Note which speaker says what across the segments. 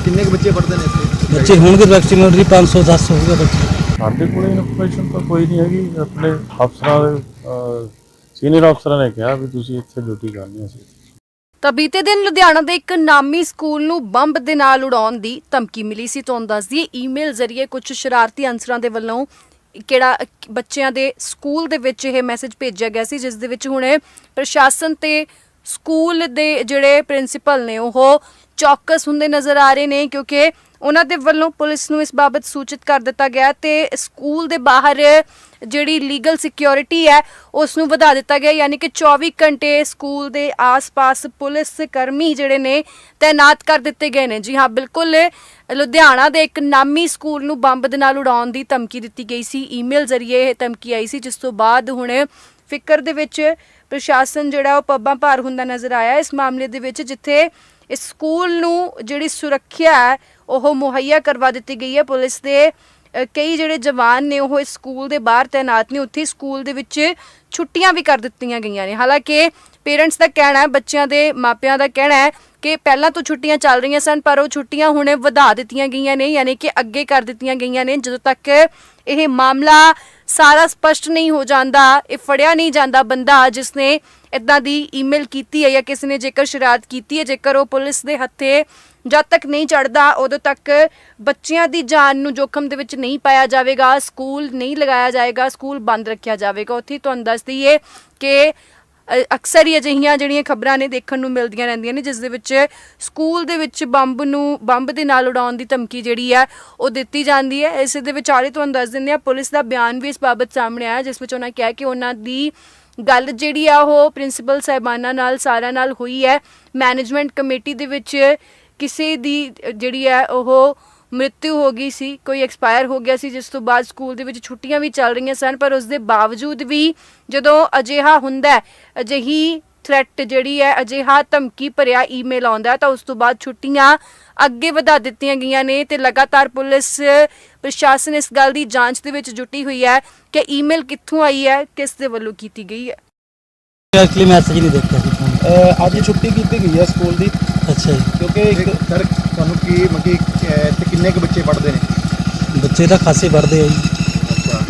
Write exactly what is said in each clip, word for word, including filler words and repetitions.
Speaker 1: कितने के बच्चे पढ़ते हैं इसमें?
Speaker 2: बच्चे होंगे मैक्सिमम पाँच सौ दस होगा बच्चे।
Speaker 3: ਸਾਡੇ ਕੋਲ ਇਨਫੋਰਮੇਸ਼ਨ ਤਾਂ ਕੋਈ ਨਹੀਂ ਹੈਗੀ। ਆਪਣੇ ਅਫਸਰਾਂ ਦੇ ਸੀਨੀਅਰ ਅਫਸਰਾਂ ਨੇ ਕਿਹਾ ਵੀ ਤੁਸੀਂ ਇੱਥੇ ਡਿਊਟੀ ਕਰਨੀ ਸੀ।
Speaker 4: ਤਾਂ ਬੀਤੇ ਦਿਨ ਲੁਧਿਆਣਾ ਦੇ ਇੱਕ ਨਾਮੀ ਸਕੂਲ ਨੂੰ ਬੰਬ ਦੇ ਨਾਲ ਉਡਾਉਣ ਦੀ ਧਮਕੀ ਮਿਲੀ ਸੀ। ਤੁਹਾਨੂੰ ਦੱਸ ਦਈਏ ਈਮੇਲ ਜ਼ਰੀਏ ਕੁਝ ਸ਼ਰਾਰਤੀ ਅਨਸਰਾਂ ਦੇ ਵੱਲੋਂ ਕਿਹੜਾ ਬੱਚਿਆਂ ਦੇ ਸਕੂਲ ਦੇ ਵਿੱਚ ਇਹ ਮੈਸੇਜ ਭੇਜਿਆ ਗਿਆ ਸੀ, ਜਿਸ ਦੇ ਵਿੱਚ ਹੁਣ ਪ੍ਰਸ਼ਾਸਨ ਤੇ ਸਕੂਲ ਦੇ ਜਿਹੜੇ ਪ੍ਰਿੰਸੀਪਲ ਨੇ ਉਹ ਚੌਕਸ ਹੁੰਦੇ ਨਜ਼ਰ ਆ ਰਹੇ ਨੇ, ਕਿਉਂਕਿ ਉਹਨਾਂ ਦੇ ਵੱਲੋਂ ਪੁਲਿਸ ਨੂੰ ਇਸ ਬਾਬਤ ਸੂਚਿਤ ਕਰ ਦਿੱਤਾ ਗਿਆ ਤੇ ਸਕੂਲ ਦੇ ਬਾਹਰ ਜਿਹੜੀ ਲੀਗਲ ਸਿਕਿਉਰਿਟੀ ਹੈ ਉਸ ਨੂੰ ਵਧਾ ਦਿੱਤਾ ਗਿਆ। ਯਾਨੀ ਕਿ ਚੌਵੀ ਘੰਟੇ ਸਕੂਲ ਦੇ ਆਸ-ਪਾਸ ਪੁਲਿਸ ਕਰਮੀ ਜਿਹੜੇ ਨੇ ਤੈਨਾਤ ਕਰ ਦਿੱਤੇ ਗਏ ਨੇ। ਜੀ ਹਾਂ, ਬਿਲਕੁਲ ਲੁਧਿਆਣਾ ਦੇ ਇੱਕ ਨਾਮੀ ਸਕੂਲ ਨੂੰ ਬੰਬ ਦੇ ਨਾਲ ਉਡਾਉਣ ਦੀ ਧਮਕੀ ਦਿੱਤੀ ਗਈ ਸੀ। ਈਮੇਲ ਜ਼ਰੀਏ ਇਹ ਧਮਕੀ ਆਈ ਸੀ, ਜਿਸ ਤੋਂ ਬਾਅਦ ਹੁਣ ਫਿਕਰ ਦੇ ਵਿੱਚ ਪ੍ਰਸ਼ਾਸਨ ਜਿਹੜਾ ਉਹ ਪੱਬਾਂ ਭਾਰ ਹੁੰਦਾ ਨਜ਼ਰ ਆਇਆ ਇਸ ਮਾਮਲੇ ਦੇ ਵਿੱਚ, ਜਿੱਥੇ ਇਸ ਸਕੂਲ ਨੂੰ ਜਿਹੜੀ ਸੁਰੱਖਿਆ ਹੈ ਉਹ ਮੁਹੱਈਆ ਕਰਵਾ ਦਿੱਤੀ ਗਈ ਹੈ। ਪੁਲਿਸ ਦੇ ਕਈ ਜਿਹੜੇ ਜਵਾਨ ਨੇ ਉਹ ਇਸ ਸਕੂਲ ਦੇ ਬਾਹਰ ਤੈਨਾਤ ਨੇ। ਉੱਥੇ ਸਕੂਲ ਦੇ ਵਿੱਚ ਛੁੱਟੀਆਂ ਵੀ ਕਰ ਦਿੱਤੀਆਂ ਗਈਆਂ ਨੇ। ਹਾਲਾਂਕਿ ਪੇਰੈਂਟਸ ਦਾ ਕਹਿਣਾ ਹੈ, ਬੱਚਿਆਂ ਦੇ ਮਾਪਿਆਂ ਦਾ ਕਹਿਣਾ ਹੈ ਕਿ ਪਹਿਲਾਂ ਤੋਂ ਛੁੱਟੀਆਂ ਚੱਲ ਰਹੀਆਂ ਸਨ, ਪਰ ਉਹ ਛੁੱਟੀਆਂ ਹੁਣ ਵਧਾ ਦਿੱਤੀਆਂ ਗਈਆਂ ਨੇ, ਯਾਨੀ ਕਿ ਅੱਗੇ ਕਰ ਦਿੱਤੀਆਂ ਗਈਆਂ ਨੇ। ਜਦੋਂ ਤੱਕ ਇਹ ਮਾਮਲਾ ਸਾਰਾ ਸਪਸ਼ਟ ਨਹੀਂ ਹੋ ਜਾਂਦਾ, ਇਹ ਫੜਿਆ ਨਹੀਂ ਜਾਂਦਾ ਬੰਦਾ ਜਿਸ ਨੇ ਇੱਦਾਂ ਦੀ ਈਮੇਲ ਕੀਤੀ ਹੈ ਜਾਂ ਕਿਸੇ ਨੇ ਜੇਕਰ ਸ਼ਰਾਰਤ ਕੀਤੀ ਹੈ, ਜੇਕਰ ਉਹ ਪੁਲਿਸ ਦੇ ਹੱਥੇ ਜਦ ਤੱਕ ਨਹੀਂ ਚੜ੍ਹਦਾ ਉਦੋਂ ਤੱਕ ਬੱਚਿਆਂ ਦੀ ਜਾਨ ਨੂੰ ਜੋਖਮ ਦੇ ਵਿੱਚ ਨਹੀਂ ਪਾਇਆ ਜਾਵੇਗਾ, ਸਕੂਲ ਨਹੀਂ ਲਗਾਇਆ ਜਾਏਗਾ, ਸਕੂਲ ਬੰਦ ਰੱਖਿਆ ਜਾਵੇਗਾ। ਉੱਥੇ ਤੁਹਾਨੂੰ ਦੱਸ ਦਈਏ ਕਿ ਅਕਸਰ ਹੀ ਅਜਿਹੀਆਂ ਜਿਹੜੀਆਂ ਖਬਰਾਂ ਨੇ ਦੇਖਣ ਨੂੰ ਮਿਲਦੀਆਂ ਰਹਿੰਦੀਆਂ ਨੇ, ਜਿਸ ਦੇ ਵਿੱਚ ਸਕੂਲ ਦੇ ਵਿੱਚ ਬੰਬ ਨੂੰ ਬੰਬ ਦੇ ਨਾਲ ਉਡਾਉਣ ਦੀ ਧਮਕੀ ਜਿਹੜੀ ਹੈ ਉਹ ਦਿੱਤੀ ਜਾਂਦੀ ਹੈ। ਇਸ ਦੇ ਵਿਚਾਲੇ ਤੁਹਾਨੂੰ ਦੱਸ ਦਿੰਦੇ ਹਾਂ, ਪੁਲਿਸ ਦਾ ਬਿਆਨ ਵੀ ਇਸ ਬਾਬਤ ਸਾਹਮਣੇ ਆਇਆ, ਜਿਸ ਵਿੱਚ ਉਹਨਾਂ ਕਿਹਾ ਕਿ ਉਹਨਾਂ ਦੀ ਗੱਲ ਜਿਹੜੀ ਆ ਉਹ ਪ੍ਰਿੰਸੀਪਲ ਸਾਹਿਬਾਨਾਂ ਨਾਲ ਸਾਰਿਆਂ ਨਾਲ ਹੋਈ ਹੈ। ਮੈਨੇਜਮੈਂਟ ਕਮੇਟੀ ਦੇ ਵਿੱਚ ਕਿਸੇ ਦੀ ਜਿਹੜੀ ਹੈ ਉਹ ਮ੍ਰਿਤੂ ਹੋ ਗਈ ਸੀ, ਕੋਈ ਐਕਸਪਾਇਰ ਹੋ ਗਿਆ ਸੀ, ਜਿਸ ਤੋਂ ਬਾਅਦ ਸਕੂਲ ਦੇ ਵਿੱਚ ਛੁੱਟੀਆਂ ਵੀ ਚੱਲ ਰਹੀਆਂ ਸਨ। ਪਰ ਉਸ ਦੇ ਬਾਵਜੂਦ ਵੀ ਜਦੋਂ ਅਜਿਹਾ ਹੁੰਦਾ, ਅਜਿਹੀ ਥ੍ਰੈਟ ਜਿਹੜੀ ਹੈ, ਅਜਿਹਾ ਧਮਕੀ ਭਰਿਆ ਈਮੇਲ ਆਉਂਦਾ, ਤਾਂ ਉਸ ਤੋਂ ਬਾਅਦ ਛੁੱਟੀਆਂ ਅੱਗੇ ਵਧਾ ਦਿੱਤੀਆਂ ਗਈਆਂ ਨੇ ਤੇ ਲਗਾਤਾਰ ਪੁਲਿਸ ਪ੍ਰਸ਼ਾਸਨ ਇਸ ਗੱਲ ਦੀ ਜਾਂਚ ਦੇ ਵਿੱਚ ਜੁਟੀ ਹੋਈ ਹੈ ਕਿ ਈਮੇਲ ਕਿੱਥੋਂ ਆਈ ਹੈ, ਕਿਸ ਦੇ ਵੱਲੋਂ ਕੀਤੀ ਗਈ ਹੈ।
Speaker 2: ਐਕਚੁਅਲੀ ਮੈਸੇਜ ਨਹੀਂ ਦੇਖਿਆ ਸੀ
Speaker 1: ਅੱਜ ਛੁੱਟੀ ਕੀਤੀ ਗਈ ਹੈ ਸਕੂਲ ਦੀ।
Speaker 2: ਅੱਛਾ ਜੀ।
Speaker 1: ਕਿਉਂਕਿ ਇੱਕ ਸਰ ਤੁਹਾਨੂੰ ਕੀ ਮੱਕੀ ਇੱਥੇ ਕਿੰਨੇ ਕੁ ਬੱਚੇ ਪੜ੍ਹਦੇ ਨੇ?
Speaker 2: ਬੱਚੇ ਤਾਂ ਖਾਸੇ ਪੜ੍ਹਦੇ ਆ ਜੀ।
Speaker 1: ਅੱਛਾ,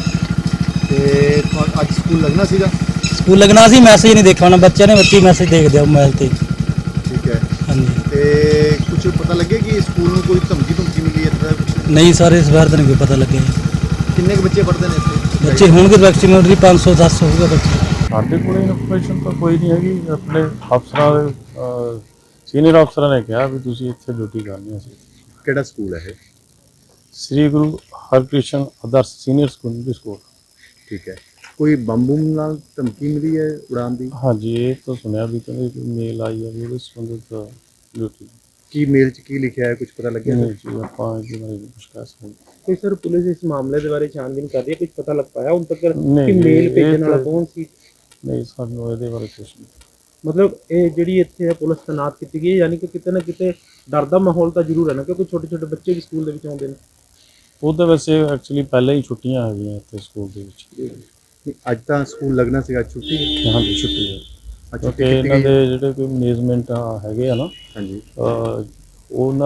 Speaker 1: ਤੇ ਅੱਜ ਸਕੂਲ ਲੱਗਣਾ ਸੀਗਾ?
Speaker 2: ਸਕੂਲ ਲੱਗਣਾ ਸੀ, ਮੈਸੇਜ ਨਹੀਂ ਦੇਖਿਆ ਉਹਨਾਂ ਬੱਚਿਆਂ ਨੇ। ਬੱਚੇ ਮੈਸੇਜ ਦੇਖਦੇ ਆ ਮੋਬਾਈਲ ਤੇ।
Speaker 1: ਠੀਕ ਹੈ।
Speaker 2: ਹਾਂਜੀ।
Speaker 1: ਤੇ ਕੁਝ ਪਤਾ ਲੱਗਿਆ ਕਿ ਸਕੂਲ ਨੂੰ ਕੋਈ ਧਮਕੀ ਧਮਕੀ ਮਿਲੀ ਹੈ ਇੱਦਾਂ ਕੁਝ?
Speaker 2: ਨਹੀਂ ਸਰ, ਇਸ ਵਾਰ ਤਾਂ ਨਹੀਂ ਕੋਈ ਪਤਾ ਲੱਗਿਆ।
Speaker 1: ਕਿੰਨੇ ਕੁ ਬੱਚੇ ਪੜ੍ਹਦੇ ਨੇ ਇੱਥੇ?
Speaker 2: ਬੱਚੇ ਹੋਣਗੇ ਮੈਕਸਿਮਮ ਪੰਜ ਸੌ ਦਸ ਹੋਊਗਾ ਬੱਚੇ।
Speaker 3: ਸਾਡੇ ਕੋਲ ਇਨਫੋਰਮੇਸ਼ਨ ਤਾਂ ਕੋਈ ਨਹੀਂ ਹੈਗੀ। ਆਪਣੇ ਅਫਸਰਾਂ ਦੇ ਸੀਨੀਅਰ ਅਫਸਰਾਂ ਨੇ ਕਿਹਾ ਵੀ ਤੁਸੀਂ ਇੱਥੇ ਡਿਊਟੀ ਕਰਨੀ ਸੀ।
Speaker 1: ਕਿਹੜਾ ਸਕੂਲ ਹੈ ਇਹ?
Speaker 3: Shri Guru Harkrishan Adarsh senior secondary school.
Speaker 1: ਠੀਕ ਹੈ। ਕੋਈ ਬੰਬ ਨਾਲ ਧਮਕੀ ਮਿਲੀ ਹੈ ਉਡਾਉਣ ਦੀ?
Speaker 3: ਹਾਂਜੀ, ਇਹ ਤਾਂ ਸੁਣਿਆ ਵੀ ਕਹਿੰਦੇ ਮੇਲ ਆਈ ਹੈ ਵੀ ਉਹਦੇ ਸੰਬੰਧਿਤ ਡਿਊਟੀ।
Speaker 1: ਕੀ ਮੇਲ 'ਚ ਕੀ ਲਿਖਿਆ ਹੈ, ਕੁਝ ਪਤਾ ਲੱਗਿਆ?
Speaker 3: ਨਹੀਂ ਜੀ, ਆਪਾਂ ਇਹਦੇ ਬਾਰੇ ਕੁਝ ਕਹਿ ਸਕਦੇ।
Speaker 5: ਕੋਈ ਸਰ ਪੁਲਿਸ ਇਸ ਮਾਮਲੇ ਦੇ ਬਾਰੇ ਛਾਨਬੀਨ ਕਰ ਰਹੀ ਹੈ, ਕੁਝ ਪਤਾ ਲੱਗ ਪਾਇਆ ਹੁਣ ਤੱਕ ਕਿ
Speaker 3: ਨਹੀਂ,
Speaker 5: ਮੇਲ ਭੇਜਣ
Speaker 3: ਇਹ
Speaker 5: ਵਾਲਾ
Speaker 3: ਤਾਂ-
Speaker 5: ਕੌਣ ਸੀ?
Speaker 3: ਨਹੀਂ, ਸਾਨੂੰ ਇਹਦੇ ਬਾਰੇ ਕੁਝ ਨਹੀਂ।
Speaker 5: ਮਤਲਬ ਇਹ ਜਿਹੜੀ ਇੱਥੇ ਪੁਲਿਸ ਤੈਨਾਤ ਕੀਤੀ ਗਈ ਹੈ, ਯਾਨੀ ਕਿ ਕਿਤੇ ਨਾ ਕਿਤੇ ਡਰ ਦਾ ਮਾਹੌਲ ਤਾਂ ਜ਼ਰੂਰ ਹੈ ਨਾ, ਕਿਉਂਕਿ ਛੋਟੇ ਛੋਟੇ ਬੱਚੇ ਵੀ ਸਕੂਲ ਦੇ ਵਿੱਚ ਆਉਂਦੇ ਨੇ।
Speaker 3: ਉਹ ਤਾਂ ਵੈਸੇ ਐਕਚੁਅਲੀ ਪਹਿਲਾਂ ਹੀ ਛੁੱਟੀਆਂ ਹੈਗੀਆਂ ਇੱਥੇ ਸਕੂਲ ਦੇ ਵਿੱਚ।
Speaker 1: ਅੱਜ ਤਾਂ ਸਕੂਲ ਲੱਗਣਾ ਸੀਗਾ, ਛੁੱਟੀ?
Speaker 3: ਹਾਂਜੀ, ਛੁੱਟੀ ਹੈ।
Speaker 1: ਅੱਛਾ,
Speaker 3: ਕਿਉਂਕਿ ਇਹਨਾਂ ਦੇ ਜਿਹੜੇ ਕੋਈ ਮੈਨੇਜਮੈਂਟ ਹੈਗੇ ਆ ਨਾ,
Speaker 1: ਹਾਂਜੀ,
Speaker 3: ਉਹਨਾਂ